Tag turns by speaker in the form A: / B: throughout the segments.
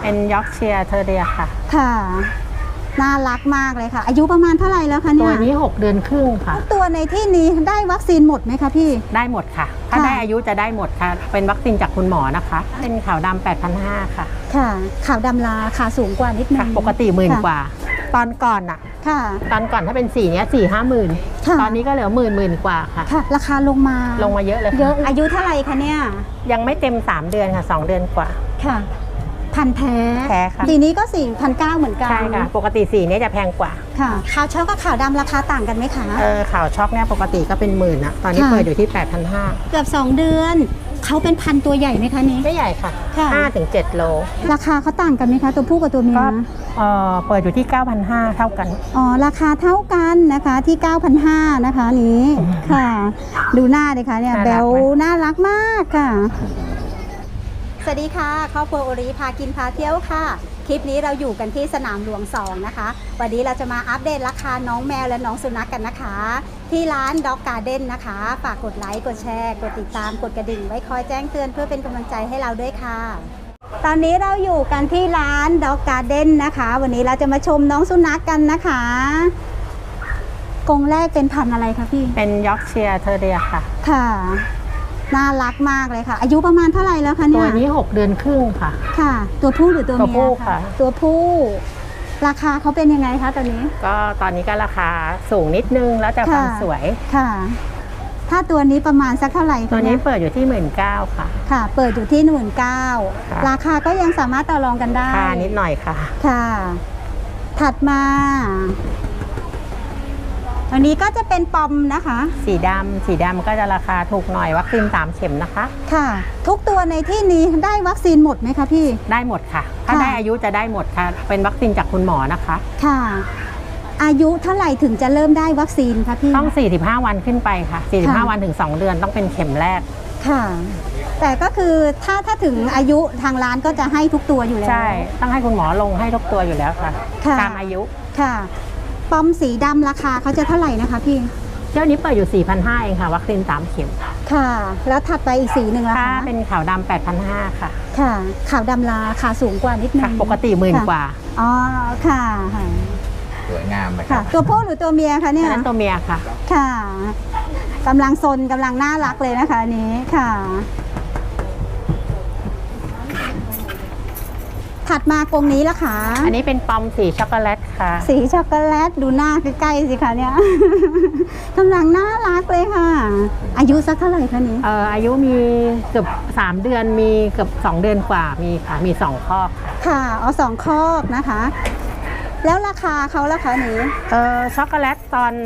A: เป็นยอร์กเชียร์เทอร์เรียค่ะ
B: ค่ะน่ารักมากเลยค่ะอายุประมาณเท่าไหร่แล้วคะเนี่ย
A: ตัวนี้6 เดือนครึ่งค่ะ
B: ตัวในที่นี้ได้วัคซีนหมดไหมคะพี่
A: ได้หมดค่ะถ้าได้อายุจะได้หมดค่ะเป็นวัคซีนจากคุณหมอนะคะเป็นขาวดำ 8,500 ค่ะ
B: ค่ะขาวดำราคาสูงกว่านิดนึง
A: ปกติ10,000 กว่าตอนก่อน
B: ค่ะ
A: ตอนก่อนถ้าเป็นสีเนี้ย4-5 หมื่นตอนนี้ก็เหลือหมื่นกว่าค่ะ
B: ราคาลงมา
A: เยอะเลย
B: เยอะอายุเท่าไหร่คะเนี่ย
A: ยังไม่เต็ม3 เดือนค่ะ2 เดือนกว่า
B: ค่ะพันแท้
A: ค่ะ
B: สีนี้ก็4,900เหมือนกัน
A: ใช่ค่ะปกติสีนี้จะแพงกว่า
B: ค่ะขาวช็อกกับขาวดำราคาต่างกันไหมคะ
A: ขาวช็อกเนี่ยปกติก็เป็น10,000นะตอนนี้เปิดอยู่ที่ 8,500
B: เกือบ2 เดือนเขาเป็นพันตัวใหญ่ไหมคะนี้
A: ไม่ใหญ่ค่ะ5-7 โล
B: ราคาเขาต่างกันไหมคะตัวผู้กับตัวเมีย
A: เปิดอยู่ที่ 9,500 เท่ากัน
B: ราคาเท่ากันนะคะที่ 9,500 นะคะนี้ค่ะดูหน้าเลยค่ะเนี่ยแบลน่ารักมากค่ะสวัสดีค่ะครอบครัวโอริพากินพาเที่ยวค่ะคลิปนี้เราอยู่กันที่สนามหลวง2นะคะวันนี้เราจะมาอัปเดตราคาน้องแมวและน้องสุนัขกันนะคะที่ร้าน Dog Garden นะคะฝากกดไลค์กดแชร์กดติดตามกดกระดิ่งไว้คอยแจ้งเตือนเพื่อเป็นกำลังใจให้เราด้วยค่ะตอนนี้เราอยู่กันที่ร้าน Dog Garden นะคะวันนี้เราจะมาชมน้องสุนัขกันนะคะกรงแรกเป็นพันธุ์อะไรคะพี่
A: เป็นยอร์กเชียร์เทอร์เรียค่ะ
B: ค่ะน่ารักมากเลยค่ะอายุประมาณเท่าไหร่แล้วคะเนี่ย
A: ตัวนี้6 เดือนครึ่งค่ะ
B: ค่ะตัวผู้หรือตัวเมีย
A: ค่ะ
B: ตัวผู้ราคาเขาเป็นยังไงคะตอนนี้
A: ก็ตอนนี้ก็ราคาสูงนิดนึงแล้วแต่ความสวย
B: ค่ะถ้าตัวนี้ประมาณสักเท่าไหร่
A: ตัวนี้เปิดอยู่ที่19,000ค่ะ
B: ค่ะเปิดอยู่ที่19,000ราคาก็ยังสามารถต่อรองกันได้
A: นิดหน่อยค่ะ
B: ค่ะถัดมาอันนี้ก็จะเป็นปอมนะคะ
A: สีดำก็จะราคาถูกหน่อยวัคซีน3 เข็มนะคะ
B: ค่ะทุกตัวในที่นี้ได้วัคซีนหมดไหมคะพี่
A: ได้หมดค่ะถ้าได้อายุจะได้หมดค่ะเป็นวัคซีนจากคุณหมอนะคะ
B: ค่ะอายุเท่าไหร่ถึงจะเริ่มได้วัคซีนคะพี่
A: ต้อง45 วันขึ้นไปค่ะ45 วันถึง2 เดือนต้องเป็นเข็มแรก
B: ค่ะแต่ก็คือถ้าถึงอายุทางร้านก็จะให้ทุกตัวอยู่แล้ว
A: ใช่ต้องให้คุณหมอลงให้ทุกตัวอยู่แล้วค่ะตามอายุ
B: ค่ะปอมสีดำราคาเขาจะเท่าไหร่นะคะพี่
A: เจ้านี้เปิดอยู่ 4,500 เองค่ะวัคซีน3 เข็ม
B: ค่ะแล้วถัดไปอีกสีหนึ่งล่ะคะ
A: เป็นขาวดำ 8,500 ค่ะ
B: ค่ะขาวดำราคาสูงกว่านิดนึง
A: ปกติ10,000 กว่า
B: ค่ะ
C: สวยงามไหมครับ
B: ตัวผู้หรือตัวเมียคะเนี่ย
A: ตัวเมียค่ะ
B: ค่ะกำลังซนกำลังน่ารักเลยนะคะอันนี้ค่ะถัดมากรงนี้ละค่ะ
A: อันนี้เป็นปอมสีช็อกโกแลตค่ะ
B: สีช็อกโกแลตดูหน้าใกล้ๆสิคะเนี่ยกำลังน่ารักเลยค่ะอายุสักเท่าไหร่คะนี้
A: อายุมีเกือบ3 เดือนมีเกือบ2 เดือนกว่ามีค่ะมี2 คอก
B: ค่ะ2 คอกนะคะแล้วราคาเขาราคานี้
A: ช็อกโกแลตตอน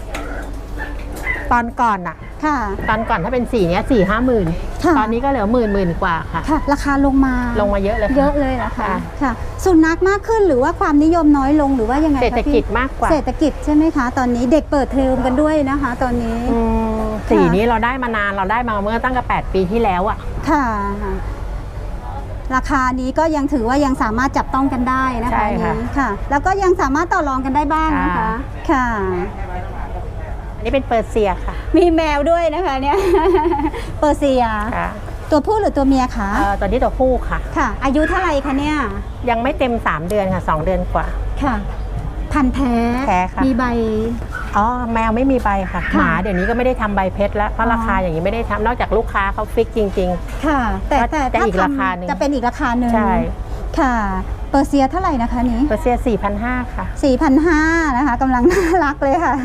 A: ก่อน
B: ค่ะ
A: ตอนก่อนถ้าเป็นสีเนี้ย4-5 หมื่นตอนนี้ก็เหลือหมื่นกว่าค่ะ
B: ราคาลงมา
A: เยอะเลย
B: นะคะค่ะสุนัขมากขึ้นหรือว่าความนิยมน้อยลงหรือว่ายังไง
A: เศรษฐกิจมากกว่า
B: เศรษฐกิจใช่ไหมคะตอนนี้เด็กเปิดเทอมกันด้วยนะคะตอนนี้
A: สีนี้เราได้มานานเราได้มาเมื่อตั้งแต่8 ปีที่แล้ว
B: ค่ะราคานี้ก็ยังถือว่ายังสามารถจับต้องกันได้นะคะนี้ค่ะแล้วก็ยังสามารถต่อรองกันได้บ้างนะคะค่ะ
A: นี่เป็นเปอร์เซียค่ะ
B: มีแมวด้วยนะคะเนี่ยเปอร์เซียตัวผู้หรือตัวเมียคะ
A: ตัวนี้ตัวผู้ค่ะ
B: ค่ะอายุเท่าไหร่คะเนี่ย
A: ยังไม่เต็ม3 เดือนค่ะ2 เดือนกว่า
B: ค่ะพันธุ์แท้
A: ค่ะ
B: มีใบ
A: แมวไม่มีใบค่ะหมาเดี๋ยวนี้ก็ไม่ได้ทำใบเพชรแล้วเพราะราคาอย่างนี้ไม่ได้ทำนอกจากลูกค้าเขาฟิกจริง
B: ๆค่ะแต่
A: อีกราคาหนึ่ง
B: จะเป็นอีกราคาหนึ่ง
A: ใช่
B: ค่ะเปอร์เซียเท่าไหร่นะคะนี้
A: เปอร์เซีย 4,500 ค่ะ
B: 4,500 นะคะกำลังน่ารักเลยค่ะ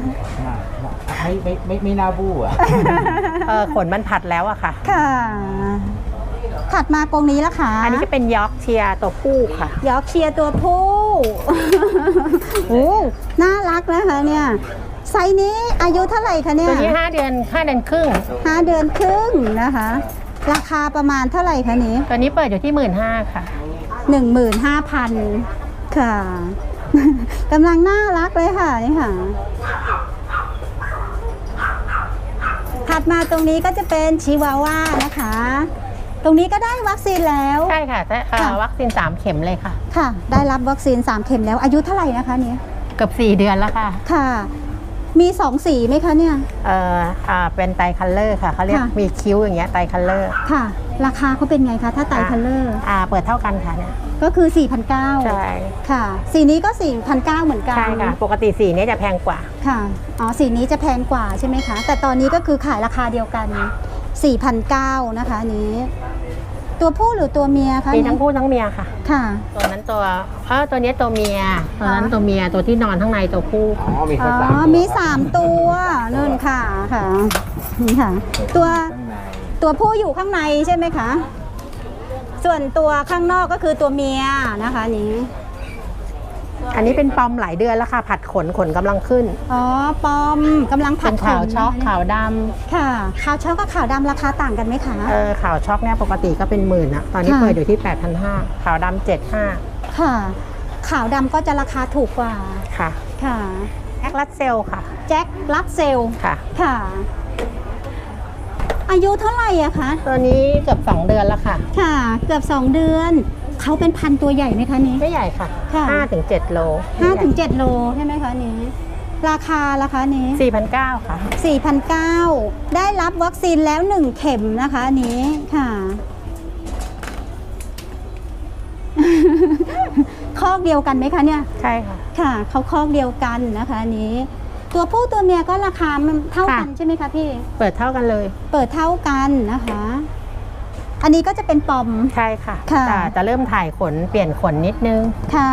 C: ไม่น่าบู้
A: ขนมันผัดแล้วอะค่ะ
B: ค่ะถัดมากรงนี้ละค่ะ
A: อันนี้จะเป็นยอร์กเชียร์ตัวผู้ค่ะ
B: ยอร์กเชียร์ตัวผู้โอ้น่ารักนะคะเนี่ยไซส์นี้อายุเท่าไหร่คะเนี่ย
A: ตัวนี้5 เดือนครึ่ง
B: 5 เดือนครึ่งนะคะราคาประมาณเท่าไหร่คะนี้
A: ตัวนี้เปิดอยู่ที่15,000 ค่ะ
B: 15,000 ค่ะกำลังน่ารักเลยค่ะนี่ค่ะถัดมาตรงนี้ก็จะเป็นชิวาว่านะคะตรงนี้ก็ได้วัคซีนแล้ว
A: ใช่ค่ะวัคซีน3 เข็มเลยค่ะ
B: ค่ะได้รับวัคซีน3 เข็มแล้วอายุเท่าไหร่นะคะนี้
A: เกือบ4 เดือนแล้วค่ะ
B: ค่ะมี2 สีไหมคะเนี่ย
A: เป็นไตรคัลเลอร์ค่ะเขาเรียกมีคิ้วอย่างเงี้ยไตรคัลเลอร์
B: ค่ะราคาเขาเป็นไงคะถ้าไตรคัลเลอร์
A: เปิดเท่ากันค่ะเนี่ย
B: ก็คือ 4,900
A: ใช่
B: ค่ะ สีนี้ก็ 4,900 เหมือนกัน
A: ใช่ค่ะ ปกติสีนี้จะแพงกว่า
B: ค่ะอ๋อสีนี้จะแพงกว่าใช่ไหมคะแต่ตอนนี้ก็คือขายราคาเดียวกัน 4,900 นะคะอันนี้ ตัวผู้หรือตัวเมียคะ
A: มีทั้งผู้ทั้งเมียค่ะ
B: ค่ะ
A: ตัวนั้นตัวนี้ตัวเมีย ตัวนั้นตัวเมีย ตัวที่นอนข้างในตัวผู้
C: อ๋อ มี
B: อ๋
C: แค่
B: อ
C: 3 ตัว
B: มี 3 ตัวนู่นค่ะค่ะนี่ค่ะ ตัว
C: ข้างใน
B: ตัวผู้อยู่ข้างในใช่ไหมคะ ส่วนตัวข้างนอกก็คือตัวเมียนะคะนี้
A: อันนี้เป็นปอมหลายเดือนแล้วค่ะ ผัดขนกำลังขึ้น
B: อ๋อ ปอมกำลังผั
A: เป็
B: ด
A: นขาวช็อก
B: ขนนะคะ
A: ขาวด
B: ค่ะขาวช็อกกับขาวดำราคาต่างกันไหมคะ
A: ำขาวช็อกเนี่ยปกติก็เป็นหมื่นอะตอนนี้
B: ค่ะ
A: เปิดอยู่ที่ 8,500ขาวดำ7,500
B: ค่ะ ขาวดำก็จะราคาถูกกว่า
A: ค่ะ
B: ค่ะ
A: แอคลัสเซลค่ะ
B: แจ็คลักเซล
A: ค่ะ
B: ค่ะ อายุเท่าไหร่อะคะ
A: ตัวนี้เกือบ2 เดือนแล้วค่ะ
B: ค่ะ เกือบ 2 เดือน เขาเป็นพันตัวใหญ่ไหมคะนี้
A: ไม่ใหญ่ค่ะ
B: ค่ะ
A: 5-7 โล
B: 5-7 โลใช่ไหมคะนี้ ราคาราคานี้
A: 4,900 ค่ะ
B: 4,900 ได้รับวัคซีนแล้ว 1 เข็มนะคะอันนี้ค่ะ คอกเดียวกันไหมคะเนี่ย
A: ใช่ค่ะ
B: ค่ะเขาคอกเดียวกันนะคะอันนี้ ตัวผู้ตัวเมียก็ราคามันเท่ากัน
A: ค่ะ
B: ใช่ไหมคะพี่
A: เปิดเท่ากันเลย
B: เปิดเท่ากันนะคะ อันนี้ก็จะเป็นปอม
A: ใช่ค่ะ
B: ค่ะ
A: แต่จะเริ่มถ่ายขนเปลี่ยนขนนิดนึง
B: ค่ะ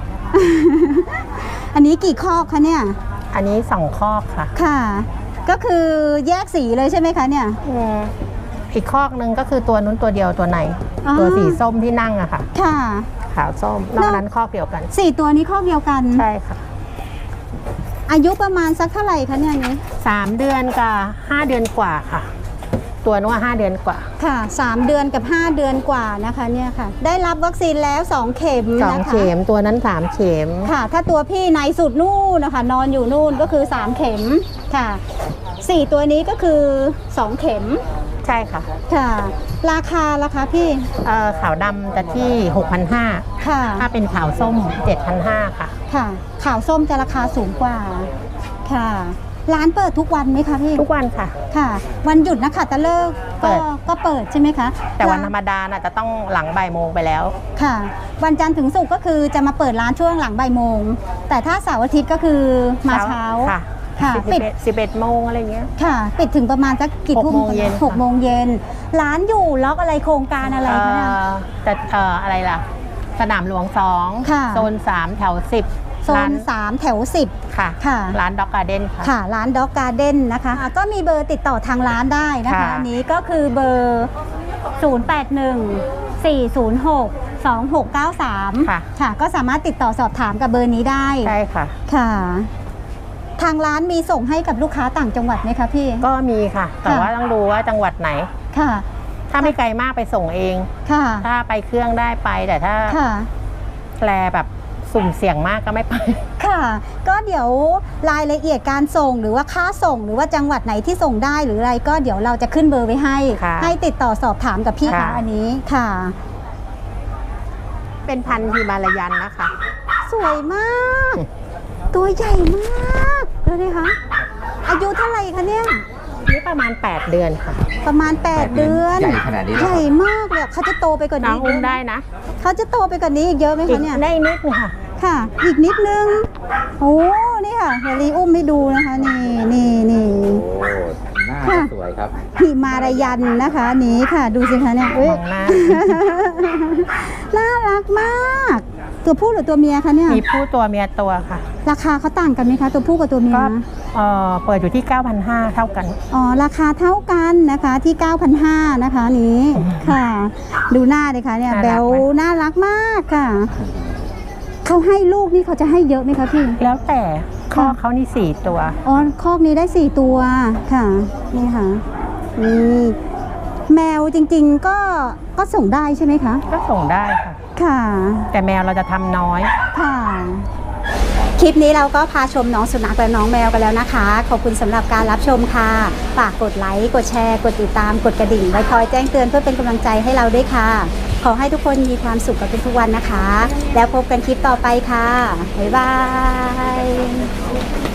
B: อันนี้กี่คอกคะเนี่ย
A: อันนี้2 คอกค่ะ
B: ค่ะ ก็คือแยกสีเลยใช่ไหมคะเนี่ย
A: อีกคอกนึงก็คือตัวนู้นตัวเดียวตัวไหน
B: อ๋อ
A: ตัวสีส้มที่นั่งอะค่ะ
B: ค่ะ
A: ขาวส้ม นอกนั้นคอกเดียวกัน
B: 4 ตัวนี้คอกเดียวกัน
A: ใช่ค่ะ
B: อายุประมาณสักเท่าไหร่คะเนี่ยนี้
A: 3 เดือนกับ5 เดือนกว่าค่ะ ตัวนู้น5 เดือนกว่า
B: ค่ะ 3 เดือนกับ 5 เดือนกว่านะคะเนี่ยค่ะ ได้รับวัคซีนแล้ว 2 เข็ม
A: 2
B: นะคะ
A: เข็มตัวนั้น3 เข็ม
B: ค่ะ ถ้าตัวพี่ในสุดนู่นนะคะ นอนอยู่นู่นก็คือ 3 เข็มค่ะ 4 ตัวนี้ก็คือ 2 เข็ม
A: ใช่ค่ะ
B: ค่ะ ราคาพี่
A: ขาวดำจะที่ 6,500
B: ค่ะ
A: ถ้าเป็นขาวส้ม 7,500 ค่ะ
B: ค่ะขาวส้มจะราคาสูงกว่าค่ะ ร้านเปิดทุกวันไหมคะพี่
A: ทุกวันค่ะ
B: ค่ะ วันหยุดนะคะตะเลิก
A: เปิด
B: ก็เปิดใช่ไหมคะ
A: แต่วันธรรมดาน่ะจะต้องหลังบ่ายโมงไปแล้ว
B: ค่ะ วันจันทร์ถึงศุกร์ก็คือจะมาเปิดร้านช่วงหลังบ่ายโมง แต่ถ้าเสาร์อาทิตย์ก็คือมาเช้า
A: ค่ะ
B: ค่ะปิด
A: 11 โมงอะไรเงี้ย
B: ค่ะ ปิดถึงประมาณสักกี่ทุ่ม
A: 6 โมงเย็น
B: 6 โมงเย็น ร้านอยู่ล็อกอะไรโครงการอะไรคะเนี่ย
A: จะอะไรล่ะ สนามหลวง
B: ค่ะ
A: 2 โซน 3 แถว 10
B: โซน 3 แถว 10
A: ค่ะ
B: ค่ะ
A: ร้านด็อกการ์เด้นค่ะ
B: ค่ะ ร้านด็อกการ์เด้นนะคะก็มีเบอร์ติดต่อทางร้านได้นะคะ
A: ค่ะ
B: อันนี้ก็คือเบอร์ 081-406-2693 ค่ะ ก็สามารถติดต่อสอบถามกับเบอร์นี้ได้
A: ใช่ค่ะ
B: ค่ะ ทางร้านมีส่งให้กับลูกค้าต่างจังหวัดไหมคะพี่
A: ก็มีค่ะ แต่ว่าต้องดูว่าจังหวัดไหน
B: ค่ะ
A: ถ้าไม่ไกลมากไปส่งเอง
B: ค่ะ
A: ถ้าไปเครื่องได้ไป แต่ถ้า
B: ค่ะ
A: แปลแบบสุ่มเสี่ยงมากก็ไม่ไป
B: ค่ะ ก็เดี๋ยวรายละเอียดการส่งหรือว่าค่าส่งหรือว่าจังหวัดไหนที่ส่งได้หรืออะไรก็เดี๋ยวเราจะขึ้นเบอร์ไว้ให้
A: ค่ะ
B: ให้ติดต่อสอบถามกับพี่
A: ค่ะ
B: คะอันนี้ค่ะ
A: เป็นพันธุ์ฮิมาลายันนะคะ
B: สวยมาก ตัวใหญ่มากดูดิคะอายุเท่าไหร่คะเนี่ย
A: นี่ประมาณ 8 เดือนค่ะ
B: ประมาณ 8 เดือน
C: ใหญ่ขนาดนี้เลย
B: ใหญ่มากเลยเขาจะโตไปกว่า
A: น้อ
B: นี้
A: งอุ้มได้นะ
B: เขาจะโตไปกว่านี้อีกเยอะไหม
A: อี
B: คะ
A: ก
B: เนี่ย
A: ได้นิดนึงค่ะ
B: ค่ะ อีกนิดนึงโอ้นี่ค่ะเฮลีอุ้มให้ดูนะคะนี่
C: โอ้หน้า
B: ค่ะ
C: สวยครับ
B: หิมารายันนะคะอันนี้ค่ะ ดูสิคะเนี่ยเอ้ย
A: มองหน้า
B: น่ารักมาก ตัวผู้หรือตัวเมียคะเนี่ย
A: มีผู้ตัวเมียตัวค่ะ
B: ราคาเขาต่างกันไหมคะ ตัวผู้กับตัวเมีย
A: ก็เปิดอยู่ที่ 9,500 เท่ากัน
B: อ๋อ ราคาเท่ากันนะคะที่ 9,500 นะคะอันนี้ค่ะ ดูหน้าเลยค่ะเนี่ย
A: น่ารัก
B: แบล
A: ไหม
B: น่ารักมากค่ะ เขาให้ลูกนี่เขาจะให้เยอะไหมคะพี่
A: แล้วแต่ข้อ
B: ค่ะ
A: เขานี่ 4 ตัว
B: อ๋อคอกนี้ได้ 4 ตัวค่ะ นี่ค่ะนี่แมวจริงๆก็ส่งได้ใช่ไหมคะ
A: ก็ส่งได้ค่ะ
B: ค่ะ
A: แต่แมวเราจะทำน้อย
B: ค่ะ คลิปนี้เราก็พาชมน้องสุนัขและน้องแมวกันแล้วนะคะ ขอบคุณสำหรับการรับชมค่ะ ฝากกดไลค์ กดแชร์ กดติดตาม กดกระดิ่งไว้คอยแจ้งเตือนเพื่อเป็นกำลังใจให้เราด้วยค่ะ ขอให้ทุกคนมีความสุขกับทุกๆวันนะคะ แล้วพบกันคลิปต่อไปค่ะ บ๊ายบาย